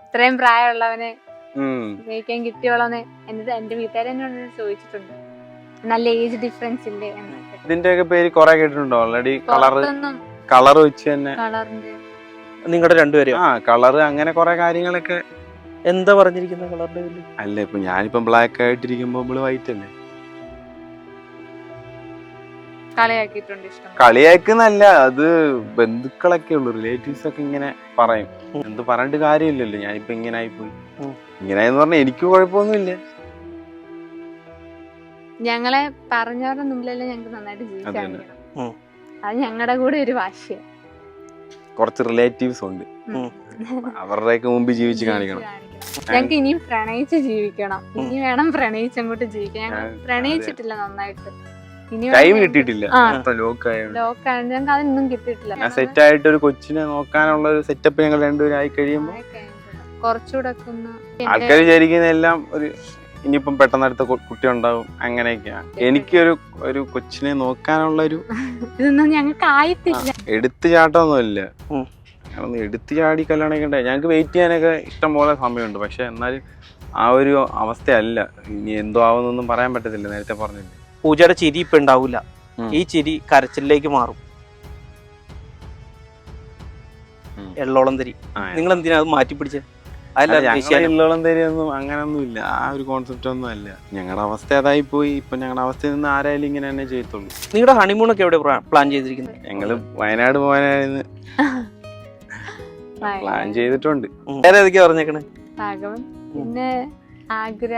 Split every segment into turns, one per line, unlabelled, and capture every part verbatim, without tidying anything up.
ഇത്രയും പ്രായമുള്ളവനെ ഉപയോഗിക്കാൻ കിട്ടിയോളന്ന് എന്നിട്ട് എന്റെ വീട്ടുകാരെ എന്നോട് ചോദിച്ചിട്ടുണ്ട്. നല്ല ഏജ് ഡിഫറൻസ് ഇല്ലേ എന്നൊക്കെ.
ഇതിന്റെയൊക്കെ പേര് കൊറേ കേട്ടിട്ടുണ്ടോ ഓൾറെഡി? കളറ് കളർ വെച്ച് തന്നെ
കളറിന്റെ
നിങ്ങളുടെ രണ്ടുപേരും
ആ കളറ് അങ്ങനെ കൊറേ കാര്യങ്ങളൊക്കെ.
എന്താ പറഞ്ഞിരിക്കുന്ന കളറിന്റെ പേര്?
അല്ല ഇപ്പൊ ഞാനിപ്പം ബ്ലാക്ക് ആയിട്ടിരിക്കുമ്പോ നമ്മള് വൈറ്റ് അല്ലേ.
കളിയാക്കിയിട്ടുണ്ട്. ഇഷ്ടം
കളിയാക്കുന്നല്ല, അത് ബന്ധുക്കളൊക്കെ ഉള്ളു, റിലേറ്റീവ്സ് ഒക്കെ ഇങ്ങനെ പറയും. എന്ത് പറഞ്ഞിട്ട് കാര്യമില്ലല്ലോ, ഞാനിപ്പോ ഇങ്ങനെ ആയിപ്പോയി. ഇങ്ങനെയെന്ന് പറഞ്ഞാൽ എനിക്ക് കുഴപ്പമൊന്നുമില്ല.
ഞങ്ങളെ പറഞ്ഞവരുടെ മുമ്പിലല്ലേ ഞങ്ങൾക്ക് നന്നായിട്ട് ജീവിക്കാൻ. അത് ഞങ്ങളുടെ കൂടെ ഒരു വാശിയാണ്.
കുറച്ച് റിലേറ്റീവ്സ് ഉണ്ട്, അവരുടെയൊക്കെ മുമ്പിൽ ജീവിച്ച് കാണിക്കണം.
ഞങ്ങൾക്ക് ഇനിയും പ്രണയിച്ച് ജീവിക്കണം. ഇനി വേണം പ്രണയിച്ച് അങ്ങോട്ട് ജീവിക്കാൻ. ഞങ്ങൾ പ്രണയിച്ചിട്ടില്ല നന്നായിട്ട്.
ടൈം കിട്ടിയിട്ടില്ല,
ലോക്കായോണ്ട് ഞങ്ങൾക്ക് അതൊന്നും കിട്ടിയിട്ടില്ല.
സെറ്റ് ആയിട്ട് ഒരു കൊച്ചിനെ നോക്കാനുള്ള ഒരു സെറ്റപ്പ് ഞങ്ങൾ രണ്ടുപേരും ആയി കഴിയുമ്പോ
കുറച്ചുകൂടെ
ആൾക്കാർ വിചാരിക്കുന്ന എല്ലാം ഒരു ഇനിയിപ്പം പെട്ടെന്ന് അടുത്ത കുട്ടി ഉണ്ടാവും അങ്ങനെയൊക്കെയാണ്. എനിക്കൊരു ഒരു കൊച്ചിനെ നോക്കാനുള്ള ഒരു
ഇതൊന്നും ഞങ്ങൾക്ക് ആയിട്ടില്ല.
എടുത്തു ചാട്ടമൊന്നുമില്ല, എടുത്തു ചാടി കല്യാണം കഴിക്കണ്ടേ. ഞങ്ങൾക്ക് വെയിറ്റ് ചെയ്യാനൊക്കെ ഇഷ്ടം പോലെ സമയമുണ്ട്. പക്ഷെ എന്നാലും ആ ഒരു അവസ്ഥയല്ല. ഇനി എന്തോ ആവുന്നൊന്നും പറയാൻ പറ്റത്തില്ല. നേരത്തെ പറഞ്ഞില്ല,
പൂജയുടെ ചിരി ഇപ്പൊ ഉണ്ടാവില്ല, ഈ ചിരി കരച്ചിലേക്ക് മാറും. എള്ളോളം തരി നിങ്ങൾ എന്തിനാ അത് മാറ്റി പിടിച്ചത്?
എള്ളോളം തരിയൊന്നും അങ്ങനൊന്നും ഇല്ല, ആ ഒരു കോൺസെപ്റ്റ് ഒന്നും അല്ല. ഞങ്ങളുടെ അവസ്ഥ അതായി പോയി. ഇപ്പൊ ഞങ്ങളുടെ അവസ്ഥയിൽ നിന്ന് ആരായാലും ഇങ്ങനെ തന്നെ ചെയ്യത്തുള്ളൂ.
നിങ്ങളുടെ ഹണിമൂൺ ഒക്കെ എവിടെ പ്ലാൻ ചെയ്തിരിക്കുന്നത്?
ഞങ്ങള് വയനാട് പോകാനായിരുന്നു പ്ലാൻ ചെയ്തിട്ടുണ്ട്.
വേറെ ഏതൊക്കെയാ പറഞ്ഞേക്കണേ?
പിന്നെ ആഗ്ര,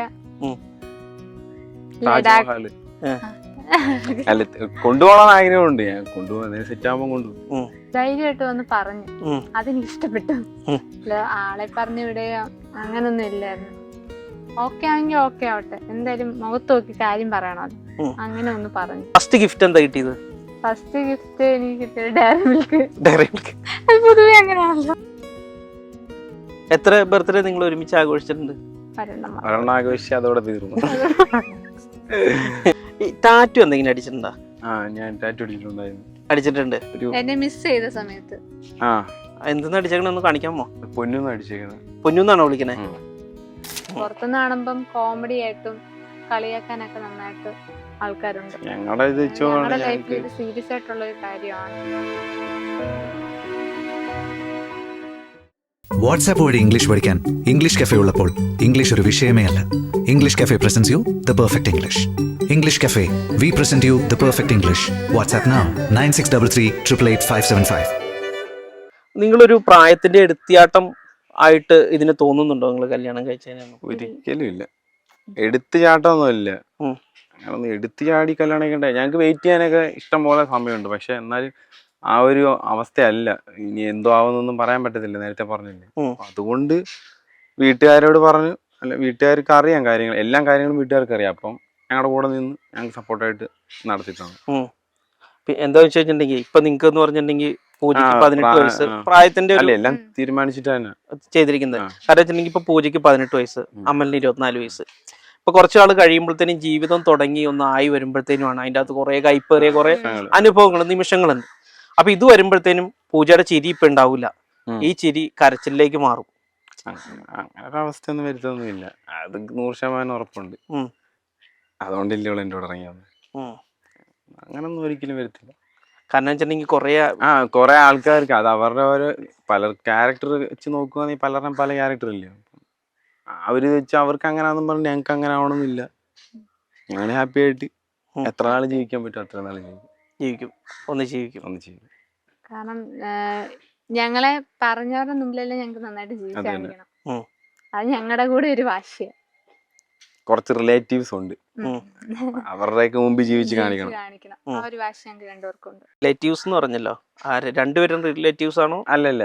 താജ്മഹൽ. അല്ല കൊണ്ടുപോകണം ആഗ്രഹമുണ്ട്. ഞാൻ കൊണ്ടുപോകുന്ന സെറ്റ് ആകുമ്പോ കൊണ്ടുപോകും.
ധൈര്യമായിട്ട് വന്ന് പറഞ്ഞു, അതെനിക്ക് ഇഷ്ടപ്പെട്ടു. ആളെ പറഞ്ഞു വിടുകയോ അങ്ങനൊന്നും ഇല്ലായിരുന്നു. ഓക്കെ ആണെങ്കിൽ ഓക്കെ ആവട്ടെ, എന്തായാലും മുഖത്ത് നോക്കി കാര്യം പറയണം. അത് അങ്ങനെ ഒന്ന് പറഞ്ഞു.
ഫസ്റ്റ് ഗിഫ്റ്റ് എന്താ കിട്ടിയത്?
ഫസ്റ്റ് ഗിഫ്റ്റ് എനിക്ക് കിട്ടിയത് ഡയറി മിൽക്ക്.
ഡയറി മിൽക്ക്
പൊതുവെ അങ്ങനെയാണല്ലോ.
എത്ര ബർത്ത്ഡേ നിങ്ങൾ ഒരുമിച്ച് ആഘോഷിച്ചിട്ടുണ്ട്?
ഒരെണ്ണം ആഘോഷിച്ച് അതോടെ തീർന്നു.
ടാറ്റു എന്തെങ്കിലും അടിച്ചിട്ടുണ്ടോ?
ആ ഞാൻ ടാറ്റു അടിച്ചിട്ടുണ്ടായിരുന്നു.
അടിച്ചിട്ടുണ്ട്.
എന്നെ മിസ് ചെയ്ത സമയത്ത്.
ആ എന്തെന്ന് അടിച്ചേക്കണെന്ന് കാണിക്കാമോ?
പൊന്നൂന്ന് അടിച്ചേക്കണേ.
പൊന്നൂന്നാണോ വിളിക്കണേ?
പുറത്തുനിന്ന് കാണുമ്പം കോമഡി ആയിട്ടും കളിയാക്കാനൊക്കെ നന്നായിട്ട് ആൾക്കാരുണ്ട്.
ഞങ്ങളുടെ
ലൈഫിൽ സീരിയസ് ആയിട്ടുള്ള ഒരു കാര്യമാണ്.
വാട്സാപ്പ് വഴി ഇംഗ്ലീഷ് പഠിക്കാൻ ഇംഗ്ലീഷ് കഫേ ഉള്ളപ്പോൾ ഇംഗ്ലീഷ് ഒരു വിഷയമേ അല്ല. English cafe presents you the perfect English. English cafe, we present you the perfect English. WhatsApp now nine six double three triple eight five seven five.
നിങ്ങളൊരു പ്രായത്തിന്റെ എടുത്തിയാട്ടം ആയിട്ട് ഇതിന് തോന്നുന്നുണ്ടോ നിങ്ങൾ കല്യാണം കഴിച്ചതിന്?
ഒരിക്കലും ഇല്ല, എടുത്തു ചാട്ടമൊന്നുമില്ല. അങ്ങനെ എടുത്തു ചാടി കല്യാണം കഴിക്കണ്ടേ. ഞങ്ങൾക്ക് വെയിറ്റ് ചെയ്യാനൊക്കെ ഇഷ്ടം പോലെ സമയമുണ്ട്. പക്ഷെ എന്നാലും ആ ഒരു അവസ്ഥയല്ല. ഇനി എന്തോ ആവുന്നൊന്നും പറയാൻ പറ്റത്തില്ല. നേരത്തെ പറഞ്ഞില്ലേ, അതുകൊണ്ട് വീട്ടുകാരോട് പറഞ്ഞു. അല്ല, വീട്ടുകാർക്ക് അറിയാം കാര്യങ്ങൾ, എല്ലാ കാര്യങ്ങളും വീട്ടുകാർക്ക് അറിയാം. അപ്പം ഞങ്ങളുടെ കൂടെ നിന്ന് ഞങ്ങൾക്ക് സപ്പോർട്ടായിട്ട് നടത്തിയിട്ടാണ്.
എന്താ വെച്ച് കഴിഞ്ഞിട്ടുണ്ടെങ്കിൽ ഇപ്പൊ നിങ്ങൾക്ക് എന്ന് പറഞ്ഞിട്ടുണ്ടെങ്കിൽ പൂജയ്ക്ക് പതിനെട്ട് വയസ്സ് പ്രായത്തിന്റെ
എല്ലാം തീരുമാനിച്ചിട്ട് തന്നെ
ചെയ്തിരിക്കുന്നത്. കാരണം വെച്ചിട്ടുണ്ടെങ്കിൽ ഇപ്പൊ പൂജയ്ക്ക് പതിനെട്ട് വയസ്സ്, അമലിന് ഇരുപത്തിനാല് വയസ്സ്. ഇപ്പൊ കുറച്ചു നാൾ കഴിയുമ്പോഴത്തേനും ജീവിതം തുടങ്ങി ഒന്ന് ആയി വരുമ്പോഴത്തേനുമാണ് അതിന്റെ അകത്ത് കുറെ കൈപ്പേറിയ കുറെ അനുഭവങ്ങൾ, നിമിഷങ്ങളുണ്ട്. അപ്പൊ ഇത് വരുമ്പോഴത്തേനും പൂജയുടെ ചിരി ഇപ്പൊ ഉണ്ടാവില്ല, ഈ ചിരി കരച്ചിലേക്ക് മാറും.
അങ്ങനെ അവസ്ഥ ഒന്നും വരുത്തൊന്നുമില്ല, അത് നൂറ് ശതമാനം ഉറപ്പുണ്ട്. അതുകൊണ്ടില്ലേ ഇവിടെ എൻ്റെ കൂടെ ഇറങ്ങിയത്. അങ്ങനൊന്നും ഒരിക്കലും വരത്തില്ല.
കാരണം വെച്ചിട്ടുണ്ടെങ്കിൽ കുറെ
ആ കുറെ ആൾക്കാർക്ക് അത് അവരുടെ ഓരോ പല ക്യാരക്ടർ വെച്ച് നോക്കുകയാണെങ്കിൽ പലരും പല ക്യാരക്ടർ ഇല്ലേ. അവര് വെച്ച് അവർക്ക് അങ്ങനെയാണെന്നും പറഞ്ഞ് ഞങ്ങൾക്ക് അങ്ങനെ ആവണമെന്നില്ല. ഞങ്ങൾ ഹാപ്പി ആയിട്ട് എത്ര നാൾ ജീവിക്കാൻ പറ്റും അത്ര നാൾ
ജീവിക്കും, ഒന്ന് ജീവിക്കും ഒന്ന് ജീവിക്കും.
കാരണം ഞങ്ങളെ പറഞ്ഞവരുടെ മുമ്പിലല്ലേ ഞങ്ങൾക്ക് നന്നായിട്ട് ജീവിക്കാൻ. അത് ഞങ്ങളുടെ കൂടെ ഒരു വാശിയാണ്.
കുറച്ച് റിലേറ്റീവ്സ് ഉണ്ട്, അവരുടെയൊക്കെ മുമ്പിൽ ജീവിച്ച് കാണിക്കണം.
ആ ഒരു വാശി ഞങ്ങൾക്ക് രണ്ടുപേർക്കുണ്ട്.
റിലേറ്റീവ്സ് എന്ന് പറഞ്ഞല്ലോ, ആര് രണ്ടുപേരും റിലേറ്റീവ്സ് ആണോ?
അല്ലല്ല,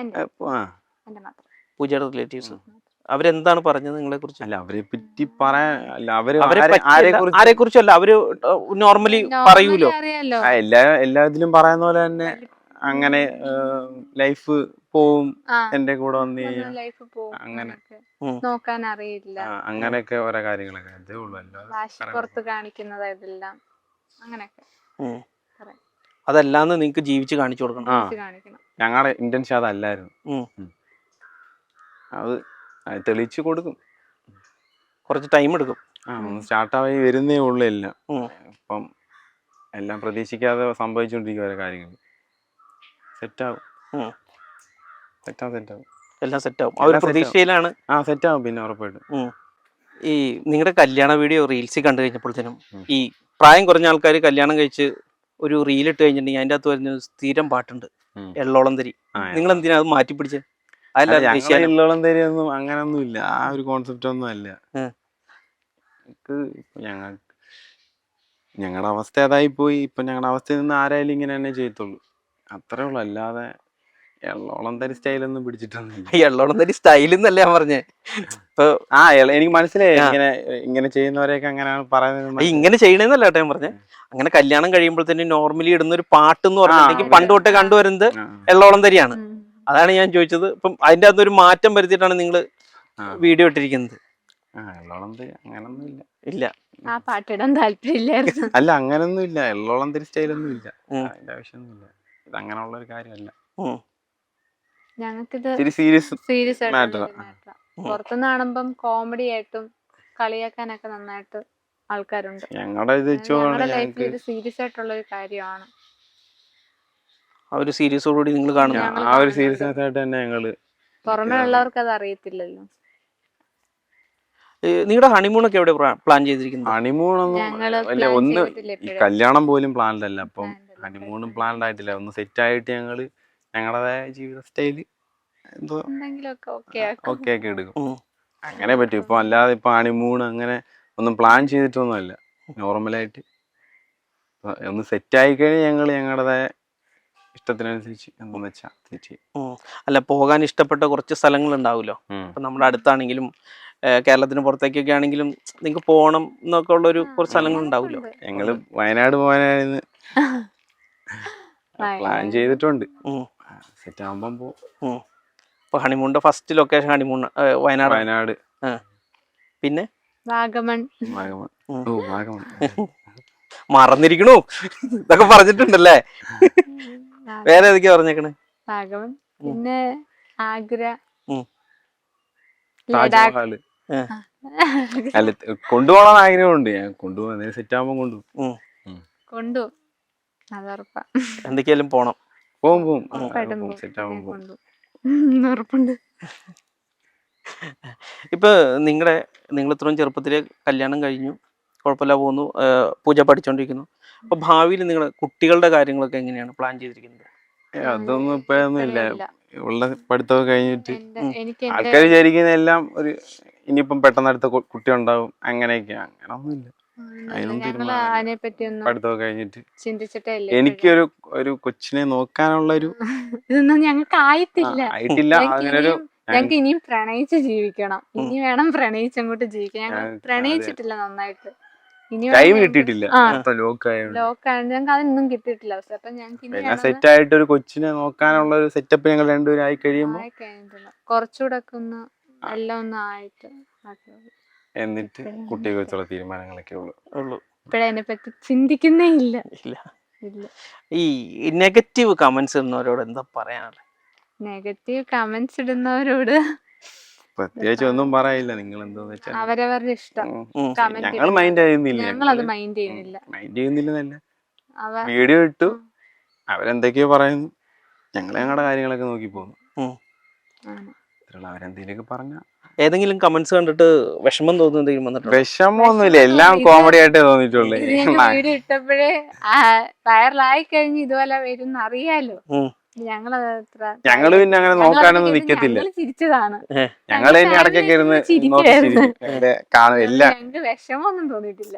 പൂജയുടെ റിലേറ്റീവ്സ്. അവരെന്താണ് പറഞ്ഞത് നിങ്ങളെ കുറിച്ച്?
അല്ല, അവരെ പറ്റി പറയാൻ
ആരെ കുറിച്ചല്ല, അവര് നോർമലി പറയൂലോ.
എല്ലാ എല്ലാത്തിലും പറയുന്ന പോലെ തന്നെ അങ്ങനെ ലൈഫ് പോവും, എന്റെ കൂടെ വന്ന് അങ്ങനെ
നോക്കാൻ അറിയില്ല,
അങ്ങനെയൊക്കെ ഓരോ കാര്യങ്ങളൊക്കെ അതേ ഉള്ളൂ.
പുറത്ത് കാണിക്കുന്നത് ഇതെല്ലാം അങ്ങനെയൊക്കെ.
അതല്ലാന്ന് നിങ്ങക്ക് ജീവിച്ച് കാണിച്ചു കൊടുക്കണം.
ഞങ്ങളുടെ ഇന്റൻഷൻ അതല്ലായിരുന്നു. അത് അത് തെളിയിച്ച് കൊടുക്കും.
കുറച്ച് ടൈം എടുക്കും.
ആ ഒന്ന് സ്റ്റാർട്ടായി വരുന്നേ ഉള്ളൂ എല്ലാം.
ഉം.
ഇപ്പം എല്ലാം പ്രതീക്ഷിക്കാതെ സംഭവിച്ചുകൊണ്ടിരിക്കും ഓരോ കാര്യങ്ങൾ. സെറ്റാവും
ഉം.
സെറ്റാവും സെറ്റാവും
എല്ലാം സെറ്റാവും. ആ ഒരു
എല്ലാം set
പ്രതീക്ഷയിലാണ്.
ആ സെറ്റാവും പിന്നെ ഉറപ്പായിട്ടും.
ഉം. ഈ നിങ്ങളുടെ കല്യാണ വീഡിയോ റീൽസിൽ കണ്ടു കഴിഞ്ഞപ്പോഴത്തേനും
ഉം.
ഈ പ്രായം കുറഞ്ഞ ആൾക്കാർ കല്യാണം കഴിച്ച് ഒരു റീൽ ഇട്ട് കഴിഞ്ഞിട്ടുണ്ടെങ്കിൽ അതിൻ്റെ അകത്ത് വരുന്ന ഒരു സ്ഥിരം പാട്ടുണ്ട്,
ഉം.
എള്ളോളം തരി.
ആ,
നിങ്ങൾ എന്തിനാ അത് മാറ്റി പിടിച്ചത്?
അല്ല,
അതല്ല
ഞങ്ങളെ
ദേശീയ.
ഇല്ലോളം തരിയൊന്നും അങ്ങനൊന്നും ഇല്ല. ആ ഒരു കോൺസെപ്റ്റ് ഒന്നും അല്ല.
ഉം.
ഞങ്ങൾക്ക് ഞങ്ങൾ ഞങ്ങളുടെ അവസ്ഥ അതായി പോയി. ഇപ്പൊ ഞങ്ങളുടെ അവസ്ഥയിൽ നിന്ന് ആരായാലും ഇങ്ങനെ തന്നെ ചെയ്യത്തുള്ളൂ, അത്രേ ഉള്ളൂ. അല്ലാതെ എള്ളോളം തരി സ്റ്റൈലൊന്നും പിടിച്ചിട്ടൊന്നുമില്ല.
എള്ളോളം തരി സ്റ്റൈൽ എന്നല്ല ഞാൻ പറഞ്ഞേ. ഇപ്പൊ
ആ എള- എനിക്ക് മനസ്സിലായി
ആ.
ഇങ്ങനെ ഇങ്ങനെ ചെയ്യുന്നവരെയൊക്കെ അങ്ങനെയാണ് പറയുന്നത്.
ഈ ഇങ്ങനെ ചെയ്യണേന്നല്ല കേട്ടോ ഞാൻ പറഞ്ഞേ. അങ്ങനെ കല്യാണം കഴിയുമ്പോഴത്തേനും നോർമലി ഇടുന്ന ഒരു പാട്ട് എന്ന് പറഞ്ഞിട്ടുണ്ടെങ്കിൽ
ആ,
പണ്ട് തൊട്ടേ കണ്ടുവരുന്നത്
ആ,
എള്ളോളം തരിയാണ്.
ഉം.
അതാണ് ഞാൻ ചോദിച്ചത്. ഇപ്പം അതിൻ്റെ അകത്ത് ഒരു മാറ്റം വരുത്തിയിട്ടാണ് നിങ്ങൾ
ആ.
വീഡിയോ ഇട്ടിരിക്കുന്നത്.
ആ എള്ളോളം തരി അങ്ങനൊന്നും ഇല്ല.
ഇല്ല.
ആ പാട്ടിടാൻ താല്പര്യമില്ലായിരുന്നു.
അല്ല അങ്ങനൊന്നും ഇല്ല, എള്ളോളം തരി സ്റ്റൈലൊന്നും ഇല്ല.
ഉം.
അതിന്റെ ആവശ്യമൊന്നുമില്ല. ഇത് അങ്ങനെയുള്ള ഒരു കാര്യമല്ല.
ഉം.
ഞങ്ങൾക്കിത്
ഇത്തിരി സീരിയസ്
സീരിയസ്
matter.
ആയിട്ടുള്ള മാറ്റർ. പുറത്തുനിന്ന് കാണുമ്പം കോമഡി ആയിട്ടും കളിയാക്കാനൊക്കെ നന്നായിട്ട് ആൾക്കാരുണ്ട്.
ഞങ്ങളുടെ ഇത് വെച്ച്
ഞങ്ങളുടെ ലൈഫിൽ
ഞങ്ങൾക്ക്
ഇത് സീരിയസ് ആയിട്ടുള്ള ഒരു കാര്യമാണ്.
ആ ഒരു സീരീസോടുകൂടി നിങ്ങൾ കാണുന്നു.
ഞങ്ങൾ
ആ ഒരു
കാണുന്നുണ്ട്.
സീരിയസ്നെസ് ആയിട്ട് തന്നെ ഞങ്ങള്
പുറമെ ഉള്ളവർക്ക് അത് അറിയത്തില്ലല്ലോ.
നിങ്ങളുടെ ഹണിമൂണൊക്കെ എവിടെ പ്ലാൻ ചെയ്തിരിക്കുന്നത്?
ഹണിമൂണൊന്നും
ഞങ്ങള്
അല്ല,
plan
ഒന്ന്
ചെയ്തിട്ടില്ല
ഈ
ഇപ്പോഴും.
കല്യാണം പോലും പ്ലാൻഡ് അല്ല. അപ്പം
Planned അല്ല.
ഹണിമൂണും പ്ലാൻഡ് ആയിട്ടില്ല. ഒന്ന് സെറ്റ് ആയിട്ട് ഞങ്ങള് ഞങ്ങളുടേതായ ജീവിത സ്റ്റൈല് എന്തോ
എന്തെങ്കിലുമൊക്കെ ഓക്കെ
ഓക്കെ ആക്കി എടുക്കും.
ഉം.
അങ്ങനെ പറ്റും. ഇപ്പൊ അല്ലാതെ ഇപ്പൊ ഹണിമൂൺ അങ്ങനെ ഒന്നും പ്ലാൻ ചെയ്തിട്ടൊന്നും അല്ല. നോർമലായിട്ട് ഒന്ന് സെറ്റ് ആയി കഴിഞ്ഞാൽ ഞങ്ങള് ഞങ്ങളുടേതായ ഇഷ്ടത്തിനനുസരിച്ച് എന്താന്ന് വെച്ചാ സെറ്റ് ചെയ്യും.
ഉം. അല്ല, പോകാൻ ഇഷ്ടപ്പെട്ട കുറച്ച് സ്ഥലങ്ങൾ ഉണ്ടാവുമല്ലോ.
ഉം.
ഇപ്പൊ നമ്മുടെ അടുത്താണെങ്കിലും ഏഹ് കേരളത്തിന് പുറത്തേക്കൊക്കെ ആണെങ്കിലും നിങ്ങൾക്ക് പോകണം എന്നൊക്കെ ഉള്ള ഒരു കുറച്ച് സ്ഥലങ്ങൾ ഉണ്ടാവുമല്ലോ.
ഞങ്ങള് വയനാട് പോകാനായിരുന്നു പ്ലാൻ ചെയ്തിട്ടുണ്ട്.
ഉം.
സെറ്റ് ആകുമ്പം പോ.
ഉം. ഇപ്പൊ ഹണിമൂണിന്റെ first location honeymoon Wayanad.
Wayanad
ആ. പിന്നെ
വാഗമൺ.
വാഗമൺ.
ഉം.
ഓ വാഗമൺ.
മറന്നിരിക്കണു ഇതൊക്കെ പറഞ്ഞിട്ടുണ്ടല്ലേ. വേറെ ഏതൊക്കെയാ പറഞ്ഞേക്കണേ?
വാഗമൺ, പിന്നെ ആഗ്ര,
ഉം.
ലഡാക്ക്.
താജ്മഹൽ. അല്ല കൊണ്ടുപോകണം ആഗ്രഹമുണ്ട്. ഞാൻ കൊണ്ടുപോകാൻ സെറ്റ് ആകുമ്പോൾ കൊണ്ടുപോകും.
ഉം.
കൊണ്ടു അതുറപ്പാ.
എന്തൊക്കെയാലും പോണം.
പോവും പോവും
ഉറപ്പായിട്ടും
പോവും
പോകും.
സെറ്റ് ആകുമ്പോൾ പോകും.
കൊണ്ടു. ഉം, ഉറപ്പുണ്ട്.
ഇപ്പൊ നിങ്ങളുടെ നിങ്ങൾ ഇത്രയും ചെറുപ്പത്തില് കല്യാണം കഴിഞ്ഞു, കുഴപ്പമില്ല പോകുന്നു, ഏഹ് പൂജ പഠിച്ചോണ്ടിരിക്കുന്നു. അപ്പൊ ഭാവിയിൽ നിങ്ങളുടെ കുട്ടികളുടെ കാര്യങ്ങളൊക്കെ എങ്ങനെയാണ് പ്ലാൻ ചെയ്തിരിക്കുന്നത്?
ഏ, അതൊന്നും ഇപ്പൊഴൊന്നും ഇല്ല.
ഇല്ല.
ഉള്ള പഠിത്തമൊക്കെ കഴിഞ്ഞിട്ട്
എന്റെ എനിക്ക് എന്റെ
ആൾക്കാർ വിചാരിക്കുന്ന എല്ലാം ഒരു ഇനിയിപ്പം പെട്ടെന്ന് അടുത്ത കു- കുട്ടി ഉണ്ടാവും അങ്ങനെയൊക്കെ. അങ്ങനൊന്നും ഇല്ല. അതിനൊന്നും
ഞങ്ങള്
തീരുമാനമില്ല.
അതിനെ പറ്റി ഒന്നും
പഠിത്തമൊക്കെ കഴിഞ്ഞിട്ട്
ചിന്തിച്ചിട്ടേ ഇല്ല.
എനിക്കൊരു ഒരു കൊച്ചിനെ നോക്കാനുള്ള ഒരു
ഇതൊന്നും ഞങ്ങൾക്ക് ആയിട്ടില്ല.
ആയിട്ടില്ല.
ഞങ്ങൾക്ക്
അങ്ങനെ ഒരു
ഇനിയും ഞങ്ങൾക്ക് ഇനിയും പ്രണയിച്ച് ജീവിക്കണം. ഇനി വേണം പ്രണയിച്ച് അങ്ങോട്ട് ജീവിക്കാൻ. ഞങ്ങൾ
ഞങ്ങൾക്ക്
പ്രണയിച്ചിട്ടില്ല നന്നായിട്ട്. ഇനി
ടൈം കിട്ടിയിട്ടില്ല.
ആ.
ലോക്ക് ആയതുകൊണ്ട്
ലോക്കാണ് ഞങ്ങൾക്ക് അതൊന്നും കിട്ടിയിട്ടില്ല. അവസ്ഥ അപ്പൊ ഞങ്ങൾക്ക് ഇനി
എല്ലാം
വേണം
സെറ്റ് ആയിട്ട് ഒരു കൊച്ചിനെ നോക്കാനുള്ള ഒരു സെറ്റപ്പ് ഞങ്ങൾ രണ്ടുപേരും ആയി കഴിയുമ്പോൾ
ആയി കഴിഞ്ഞിട്ടില്ല. കുറച്ചുകൂടെ ഒക്കെ ഒന്ന് എല്ലാം ഒന്ന് ആയിട്ട് ആക്കി മതി.
എന്നിട്ട് കുട്ടിയെ കുറിച്ചുള്ള തീരുമാനങ്ങളൊക്കെ ഉള്ളു.
ഉള്ളൂ.
ഇപ്പഴേ അതിനെ പറ്റി ചിന്തിക്കുന്നേ ഇല്ല.
ഇല്ല.
ഇല്ല.
ഈ നെഗറ്റീവ് കമന്റ്സ് ഇടുന്നവരോട് എന്താ പറയാനുള്ളത്?
നെഗറ്റീവ് കമന്റ്സ് ഇടുന്നവരോട്
പ്രത്യേകിച്ച് ഒന്നും പറയില്ല. നിങ്ങൾ എന്താന്ന് വെച്ചാൽ
അവരവരുടെ ഇഷ്ടം.
ഉം.
കമന്റ്
ഞങ്ങൾ മൈൻഡ് ചെയ്യുന്നില്ല.
ഞങ്ങൾ അത് മൈൻഡ് ചെയ്യുന്നില്ല.
മൈൻഡ് ചെയ്യുന്നില്ലെന്നല്ല,
അവ
വീഡിയോ ഇട്ടു അവരെന്തൊക്കെയോ പറയുന്നു, ഞങ്ങൾ ഞങ്ങളുടെ കാര്യങ്ങളൊക്കെ നോക്കി പോകുന്നു.
ഉം.
ആണ്.
ഇത്രയുള്ള അവരെന്തെങ്കിലുമൊക്കെ പറഞ്ഞ
ഏതെങ്കിലും കമന്റ്സ് കണ്ടിട്ട് വിഷമം തോന്നുന്ന എന്തെങ്കിലും വന്നിട്ടുണ്ടോ?
വിഷമമൊന്നുമില്ല. എല്ലാം
ഇത്
കോമഡി ആയിട്ടേ തോന്നിയിട്ടുള്ളൂ.
ഇത് ഞങ്ങൾ വീഡിയോ ഇട്ടപ്പോഴേ വൈറലായി കഴിഞ്ഞ് ഇതുപോലെ വരും അറിയാലോ.
ഉം.
ഞങ്ങളത് അത്ര
ഞങ്ങള് പിന്നെ അങ്ങനെ നോക്കാനൊന്നും നിക്കത്തില്ല.
ഞങ്ങള് ചിരിച്ചതാണ്.
ഞങ്ങൾ തന്നെ ഇടയ്ക്കൊക്കെ ഇരുന്ന് നോക്കി
ചിരിക്കുവായിരുന്നു.
ചിരിക്കും. അങ്ങനെ കാണും എല്ലാം.
ഞങ്ങൾക്ക് വിഷമമൊന്നും തോന്നിയിട്ടില്ല.